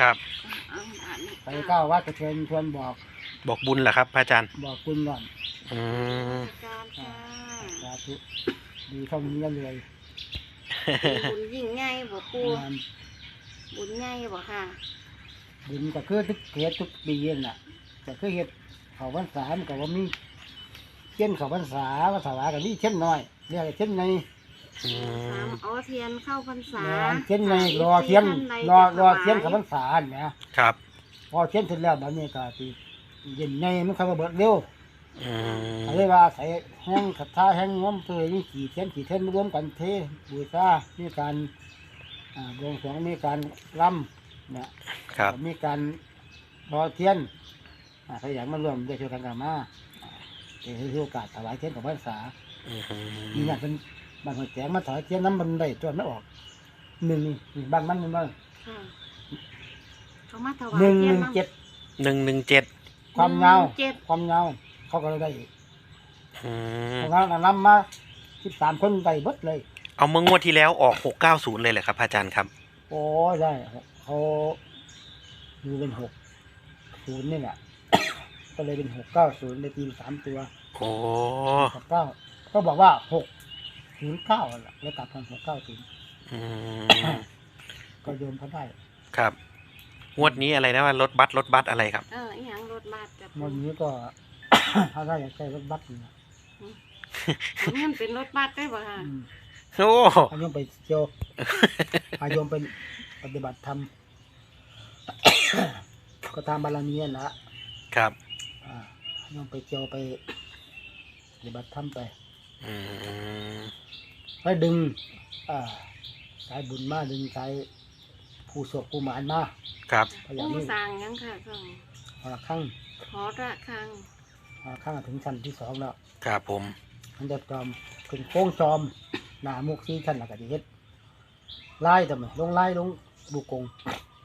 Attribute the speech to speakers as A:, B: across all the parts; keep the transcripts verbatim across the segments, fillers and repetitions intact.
A: ครับ
B: ไปเก้าวัดก็เชิญชวนบอก
A: บอกบุญเหรอครับพระอาจารย์
B: บอกคุณก่อน
A: อืม
C: การค่ะ
B: สาธุดีเท่านี้ก็เลย
C: บุญยิ่งใหญ่บ่ปูบุญใหญ่บ่ค่ะ
B: บุญก็คือทุกเฮ็ดทุกปีนั่นน่ะก็คือเฮ็ดเขาพรรษามันก็ว่ามีเช่นเขาพรรษาภาษาว่าก็มีเช่นน้อยเรียกเช่นใน
C: เอาเทียนเข้าพรรษา
B: เช่นในรอเทียนรอรอเทียนเขาพรรษาเนี่ย
A: ครับ
B: พอเทียนเสร็จแล้วแบบนี้ก็ตีเย็นในมันเขาก็เบิดเร็ว
A: อืม
B: เรียกว่าใส่แห้งขัดท่าแห้งง้มเตยนี่ขี่เทียนขี่เทียนรวมกันเทบูชามีการบวงสรวงมีการรำเนี่ยมีการรอเทียนใครอยากมาร่วมได้ช่วยกันกันมาเดี๋ยวให้โอกาสถวายเทียนของพรรษามีอย่างเป็นบางคนแจกมาถวายเทียนน้ำมันได้จนไม่ออกหนึ่งนี่บางมันมันบ้าง
C: เขามาถวาย
B: หนึ่งหนึ่งเจ็ด
A: หนึ่งหนึ่งเจ็ด
B: ความเงาความเงาเขาก็เลยได้อีกเพราะงั้นนำมาสิบสามคนไปเบิดเลย
A: เอาเมื่องวดที่แล้วออกหกเก้าศูนย์เลยเหรอครับอาจารย์ครับ
B: โอ้ได้เขาดูเป็นหกศูนย์นี่แหละก็เลยเป็นหกเก้าศูนย์ในทีมสามตัว
A: โอ้
B: หกเก้าก็บอกว่าหกศูนย์เก้าแหละแล้วตัดทำหกเก้าศูนย์ก็โยมเขาได้
A: ครับงวดนี้อะไรนะว่ารถบัสรถบัสอะไรครับ
C: เอออย่างรถบัสกับ
B: งวดนี้ก็ถ้าได้อยากใช้รถบัสอยู่
C: มันเป็นรถบัสได้ป่ะฮะ
A: โอ้
B: พายมไปเที่ยวพายมไปปฏิบัติธรรมก็ตามบารมีนะครับอ่ายมไปเที่ยวไปปฏิบัติธรรมไปไปดึงอ่าสายบุญมาดึงสายผู้โศกผู้หมานมา
A: ครับ
C: ผู้สร้างยังค่ะสอง
B: หอระฆัง
C: หอระฆัง
B: หอระฆังถึงชั้นที่สองแล้ว
A: ครับผม
B: มันจะจอมถึงโค้งจอมหนามุกซีชั้นหลักกะดิเฮ็ดไล่ทำไมลงไล่ลงบุกง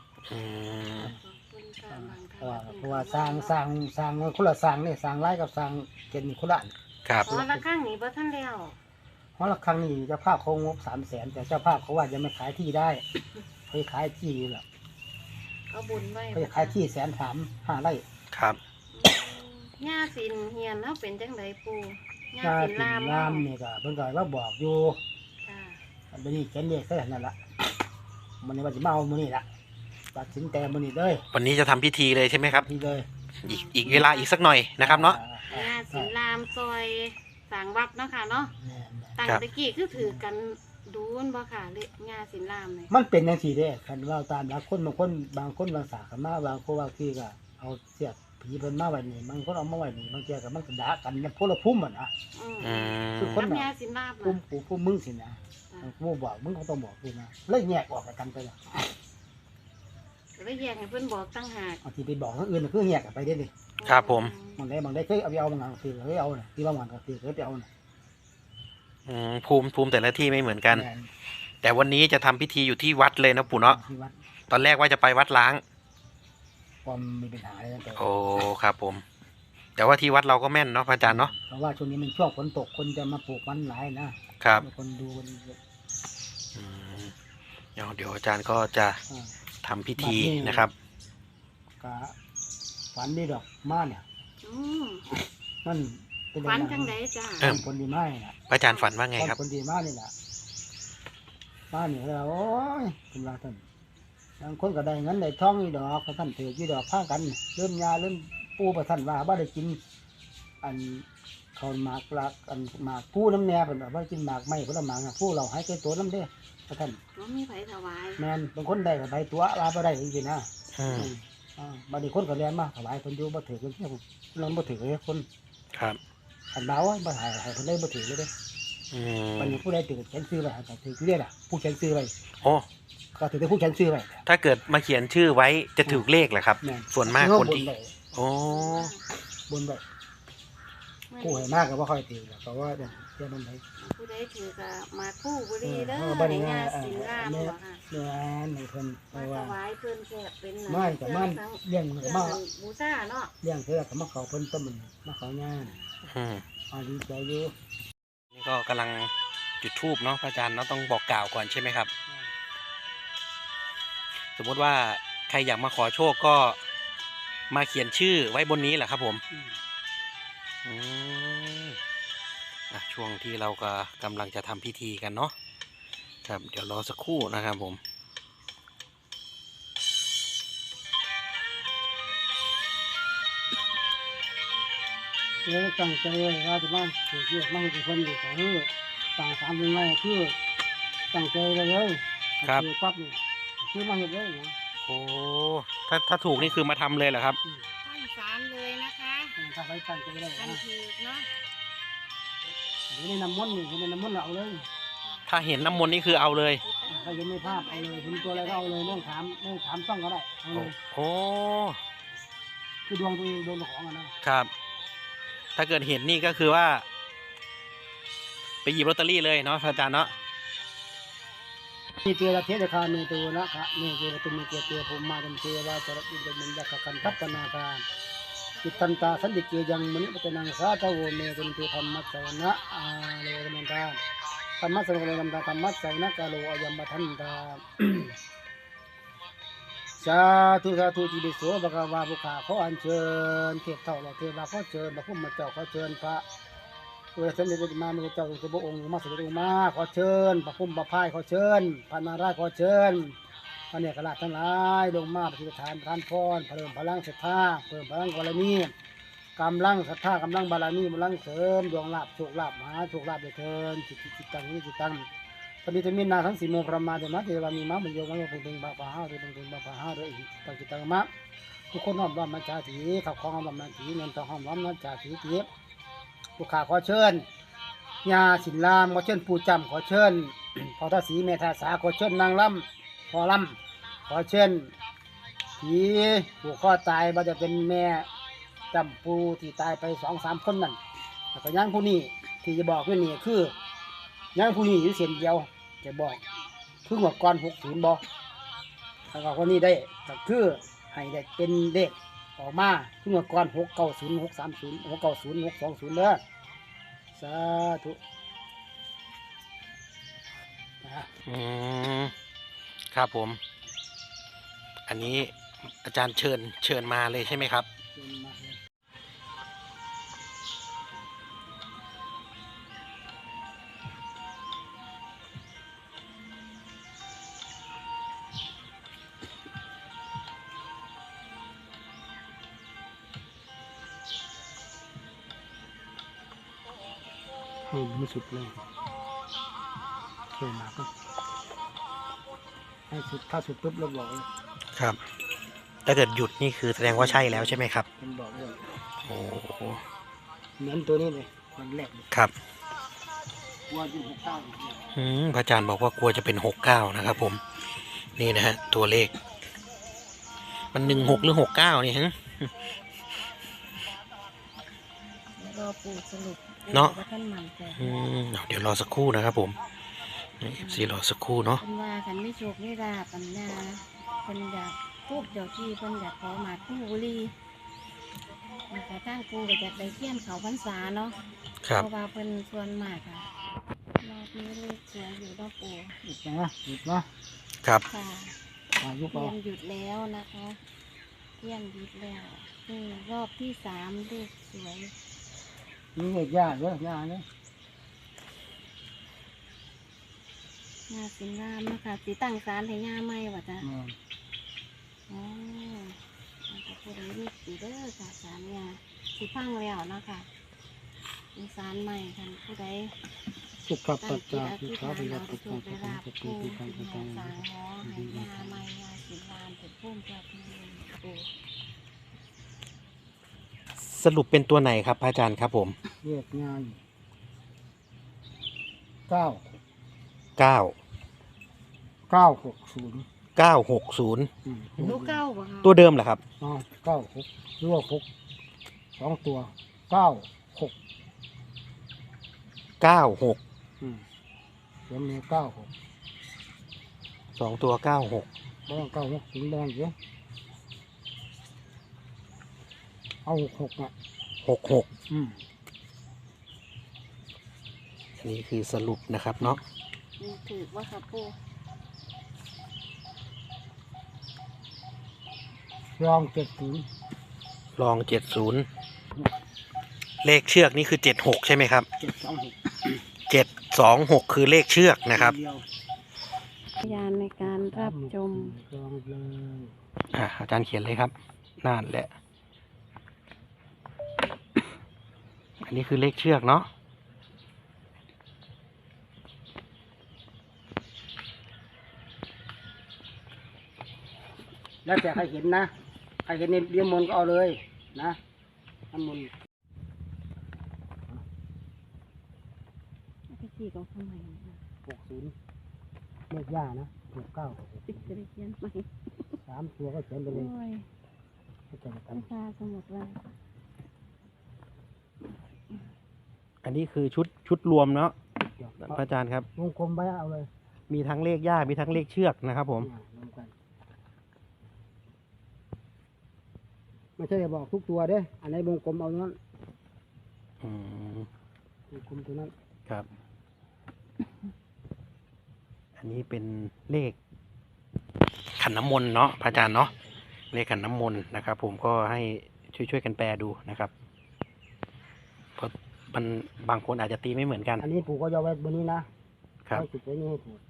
B: เพราะว่าเพราะว่าสร้างสร้างสร้างคนละสร้างนี่สร้างไล่กับสร้างเจนคนละ
A: ครับ
C: หอระฆังนี่บ่ทันแล้ว
B: หอระฆังนี่เจ้าภาพเขางบสามแสนแต่เจ้าภาพเขาว่าจะไม่ขายที่ได้เขาขายที่แหละ
C: เขาบุญไว้
B: เขาขายที่แสนสามห้าไร่
A: ครับ
C: หญ้าสินเฮียนเขาเป็นจังไดปู
B: หญ้าสินลามนี่ก็เพิ่นก็ว่าบอกอยู่อันนี้เขียนเลขแค่นั้นละมันนี่ว่าจะมาเอามื้อนี้ละตัดสินแต่มื้อนี้เลย
A: วันนี้จะทำพิธีเลยใช่ไหมครับ
B: พิธีเลย
A: อีกอีกเวลาอีกสักหน่อยนะครับเนาะ
C: หญ้าสินลามซอยสังวัดเนาะค่ะเนาะตั้งตะกี้คือถือกันดูนบ่ค่ะเลหญ้าสินลามเลย
B: มันเป็นจังซี่เด้คันว่าตามหลักคนบางคนบางคนบางสาขามาบางคนบางที่ก็เอาเสียบผีเพิ่นมาไว้นี่บางคนเอามาไว้นี่บางเที่ยก็มันก็ด่ากันมันพลภูมิอ่ะนะ
A: อืม
B: คือคน
C: หญ้าสินลาม
B: ภูมิภูมิมึงสินะกูบอกมึงก็ต้องบอกกูนะเลยแยกออกกันไปล่ะ
C: แล้วแยกให้เพิ่นบอกตั้งหาก
B: บางทีไปบอกคนอื่นคือแยกกันไปได้ดิ
A: ครับผม
B: บางได้บางได้เคยเอาไปเอาบางอย่างคือเคยเอาน่ะที่บางวันก็คือเคยไปเอาน่ะ
A: อืมภูมิภูมิแต่ละที่ไม่เหมือนกันแต่วันนี้จะทำพิธีอยู่ที่วัดเลยนะปู่เนาะตอนแรกว่าจะไปวัดล้าง
B: ความมีปัญหาอะไรนั่นแต่
A: โอ้ครับผมแต่ว่าที่วัดเราก็แม่นเนาะพระอาจารย์เนาะ
B: เพราะว่าช่วงนี้มันช่วงฝนตกคนจะมาปลูกมันหลายนะครับคนดูคน
A: อืมเดี๋ยวเดี๋ยวอาจารย์ก็จะทำพิธีนะครับ
B: กะฝันดีดอกมาเนี่ยมัน
C: เป็นฝันจังไดจ้า
B: คนดีมากนะ
A: อาจารย์ฝันว่าไงครับ
B: คนดีมากนี่แหละมาเนี่ยเราโอ้ยคุณว่าท่านบางคนก็ได้เงินได้ทองนี่ดอกท่านถือยี่ดอกผ้ากันเริ่มยาเริ่มปูประท่านว่าบ้าได้กินอันเขาหมากหลักอันหมากผู้น้ำแน่เป็นแบบว่ากินหมากไม่ผลหมากผู้เราให้แก่ตัวน้ำเด้พระท่าน
C: ก็มีไผถวาย
B: แมนบางคนได้กับใบตัวลาไปได้จริงๆนะบางทีคนก็เรียนมาถวายคนอยู่บ่ถือคนที่เราบ่ถือเลยคน
A: ครับ
B: ขันเบาอ่ะบ่หายหายคนได้บ่ถือเลยเด้บางทีผู้ใดถือเขียนซื้อไปแต่ถือเรียกอ่ะผู้เขียนซื้อไป
A: โอ้
B: ก็ถือได้ผู้เขียนชื่อไว้
A: ถ้าเกิดมาเขียนชื่อไว้จะถูกเลขเหรอครับส่วนมากคนที่โอ้
B: บนแบบผู้ให้มากก็ว่าค่อยตีเพราะว่าเนี่ยเชื่อมันไหม
C: ผู้ใดถือกับมาคู่บุรีเด้อในงานศิลาบ่ค่ะ
B: เนี่ยในเพิ่นเพราะว่า
C: ถวายเพิ่นแค่เป็น
B: ไม่กับมันเลี้ยงกับมา
C: บูชาเนาะ
B: เลี้ยงเท่ากับมาเขาเพิ่นต้นมันมาเขางาน
A: อืม
B: อ๋อดีใจอยู่
A: นี่ก็กำลังจุดธูปเนาะพระอาจารย์เนาะต้องบอกกล่าวก่อนใช่ไหมครับสมมติว่าใครอยากมาขอโชคก็มาเขียนชื่อไว้บนนี้แหละครับผม
B: อืม
A: อืมอ่ะช่วงที่เราก็กำลังจะทำพิธีกันเนาะครับเดี๋ยวรอสักครู่นะครับผม
B: แล้วตั้งใจไว้ว่าจะมาเกิดเรื่องมาให้คนอยู่ก็คือต่างสามเป็นไงคือตั้งใจไว้เลย
A: ครับ
B: อปั๊บนี่คือมาเห็นเลยนะ
A: โอ้ถ้าถ้าถูกนี่คือมาทำเลยเหรอครับ
B: อืม
C: ตั้งศาลเลยนะคะ
B: ถ้าไปตั้งใจได้
C: กัน
B: นะ
C: ถือเนาะ
B: เห็นในน้ำมนต์นี่เห็นในน้ำมนต์เราเอาเลย
A: ถ้าเห็นน้ำมนต์นี่คือเอาเลย
B: ถ้าเห็นในภาพเอาเลยเห็นตัวอะไรก็เอาเลยไม่ต้องถามไม่ต้องถามต้องก็ได้เอาเลย
A: โอ้
B: คือดวงตัวเองดวงของอะนะครับ
A: ถ้าเกิดเห็นนี่ก็คือว่า ไปหยิบลอตเตอรี่เลยเนาะอาจารย์เนาะ
B: มีเจรเทศคามีตัวนะคะนี่เจรตุมีเจเตผมมาเป็นเทวาจรปินเป็นยักษ์กันทัพนาการจิตตันตาสันติเกยังมณิปตนังสาตโวเมเป็นตัวธรรมะสวนะอาโลกมันตาธรรมะสวนะธรรมะธรรมะสวนะกาโลอยัมมทันตา สาธุสาธุจิตติโสภะคะวาภุขาขออัญเชิญเทพเท่าเราเทวาขอเชิญพระพุทธเจ้าขอเชิญพระตัวสมเด็จพระมาเจ้าสุบองค์มาสุบองค์มาขอเชิญพระพุทธพระพายขอเชิญพระนารายณ์ขอเชิญพระเนกราชทั้งหลายลงมาปฏิบัติทานทานพรเพิ่มพลังศรัทธาเพิ่มพลังบารมีกำลังศรัทธากำลังบารมีกำลังเสริมดวงลาภโชคลาภมหาโชคลาภเดือดเทินจิตจิตตังนิจิตตังปณิธมินาทั้งสี่โมงประมาณเดือนนัดเทวามีมะมันโยมะโยเป็นเป็นบาปะห้าหรือเป็นเป็นบาปะห้าด้วยตังจิตตังมะทุกคนน้อมรับมาจาถีขับคล้องน้อมรับมาถีเงินทองห้อมน้อมมาจาถีเจี๊ยบลูกค้าขอเชิญยาสินรามขอเชิญปู่จำขอเชิญ พอทศีเมธาสาขอเชิญนางลำพอลำขอเชิญผีผูกคอตายว่าจะเป็นแม่จำปูที่ตายไปสองสามคนนั่นแล้วก็ย่างผู้นี้ที่จะบอกว่านี่คือย่างผู้นี้อยู่เส้นเดียวจะบอกคือหัวก้อนหกศูนย์บอกแล้วก็คนนี้ได้ก็คือให้ได้เป็นเด็กออกมาคือหัวก้อนหกเก้าศูนย์หกสามศูนย์หกเก้าศูนย์หกสองศูนย์เด้อสาธุนะ
A: อืมครับผม อันนี้อาจารย์เชิญเชิญมาเลยใช่ไหมครับ
B: เชิญมาเลย ให้ไม่สุดเลยเชิญมาก็ให้สุดถ้าสุดปุ๊บเราบอกเลย
A: ครับ ถ้าเกิดหยุดนี่คือแสดงว่าใช่แล้วใช่ไหมครับ
B: มันบอกเลย
A: โอ้โห
B: เหมือนตัวนี้เลยมันแรกเลย
A: ครับ
B: ว่าเป็นหกเก้าอีกเนี่ย
A: อืมพระอาจารย์บอกว่ากลัวจะเป็นหกเก้านะครับผม นี่นะฮะ ตัวเลข มันหนึ่งหกหรือหกเก้านี่ฮะ
C: รอปู่สรุป
A: เนาะ
C: ว่าท่านมันแต่
A: อืมเอาเดี๋ยวรอสักครู่นะครับผมนี่สีรอสักครู่เนาะ
C: เป็นว่ากันไม่โชคไม่ราบปัญญาเป็นอยากทูบเจ้าที่เป็นอยากขอหมากคู่บุรีนะคะตั้งปูก็อยากได้เทียนเขาพรรษาเนาะ
A: ครับ
C: เพราะว่าเป็นส่วนมากค่ะรอบนี้เลขสวยอยู่รอบปู
B: อีกนะอีกนะครับ
C: ค่ะ
B: อายุ
C: เที
B: ก็
C: ยนหยุดแล้วนะคะเทียนหยุดแล้วนี่รอบที่สามเลขสวย
B: นี่เด็กยากเยอะยากเนี่ย
C: งาสิงงามนะคะสีตั้งสารให้งาไหมวะจ๊ะ
B: อืม
C: อ๋อมันจะพูดอะไรนี่สีเด้อค่ะสารยาสีพังแล้วนะคะเป็นสารใหม่ค่ะผู้ใด
B: สุขปั
C: ตั้
B: จ
C: งจิ
B: จา
C: ตอ
B: พิ
C: ธิษ
B: ขา
C: ฐาน
B: พิ
C: เรา
B: ยัต
C: จะ
B: ติ
C: ถูก
B: ปั
C: ได้
B: จจา
C: ราบ
B: พิ
C: ผู้
B: ติ
C: ที่
B: ปัจ
C: ให้
B: จา
C: สางหอให้ยาใหม่ยาสีลานเป็นพุ่มเจ้าที่ปู่
A: สรุปเป็นตัวไหนครับพระอาจารย์ครับผม
B: เรียกงานเก้า
A: เก้า
B: เก้าหกศูนย์
A: เก้าหกศูนย์
B: อืม
C: ลูกเก้าบ่คะ
A: ตัวเดิมเหรอครับ
B: อ๋อเก้าหกหรือว่าหกสองตัวเก้าหก
A: เก้าหก
B: อืมเดี๋ยวมีเก้าหก
A: สองตัวเก้าหก
B: บ้างเก้าหกถึงแดงเยอะเอาหกหกอ่ะ
A: หกหก
B: อืม
A: อันนี้คือสรุปนะครับเนาะ
C: มีถือว่าค่ะปู่
B: รองเจ็ดศูนย์
A: ลองเจ็ดศูนย์เลขเชือกนี่คือเจ็ดหกใช่ไหมครับ
B: เจ็ดสองหก
A: เจ็ดสองหกคือเลขเชือกนะครับ
B: เดียว
C: พยานในการรับชม
B: รองเลย
A: อ่าอาจารย์เขียนเลยครับนั่นแหละ อันนี้คือเลขเชือกเนาะ
B: แล้วแต่ใครเห็นนะใครเห็นในเรียนมนต์ก็เอาเลยนะน้ำมนต์
C: ไปขี่เขาทำไมนะ
B: หกศูนย์เลขย่านะหกเก้า
C: ติดจะได้เขียนไหม
B: สามตัวก็เขียนไปเลย
C: โอ้ย
B: ก็จะกัน
C: วิชาสมุดเลย
A: อันนี้คือชุดชุดรวมเนาะ
B: เดี๋ยว
A: พระอาจารย์ครับ
B: วงกลมไว้เอาเลย
A: มีทั้งเลขย่ามีทั้งเลขเชือกนะครับผม
B: เนี่ยรวมกันไม่ใช่บอกทุกตัวเด้อันไหนวงกลมเอานั้น
A: อืม
B: วงกลมตัวนั้น
A: ครับ อันนี้เป็นเลขขันน้ำมนต์เนาะพระอาจารย์เนาะเลขขันน้ำมนต์นะครับ ผมก็ให้ช่วยช่วยกันแปลดูนะครับเพราะมันบางคนอาจจะตีไม่เหมือนกัน
B: อันนี้ปู่ก็ยอไว้บนนี้นะครับ ไว้จุดไว้นี่ให้ถูก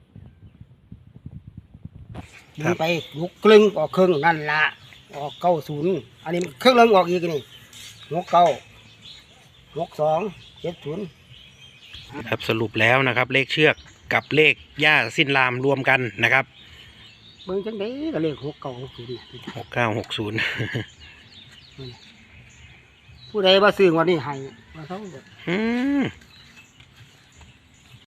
A: ครั
B: ยิ
A: บ
B: งไปลุกครึ่งออกครึ่งนั่นละออกเก้าศูนย์อันนี้ครึ่งเริ่มออกอีกนี่หกเก้าหกสองเจ็ดศูนย์
A: ครับสรุปแล้วนะครับ เลขเชือกกับเลขย่าสิ้นรามรวมกันนะครับ
B: เบิ่งจังไดก็เลขหกเก้าหกศูนย์
A: หกเก้าหกศูนย์
B: ผู้ใดว่าซื้อวันนี้ให้ว่าเขา
A: อืม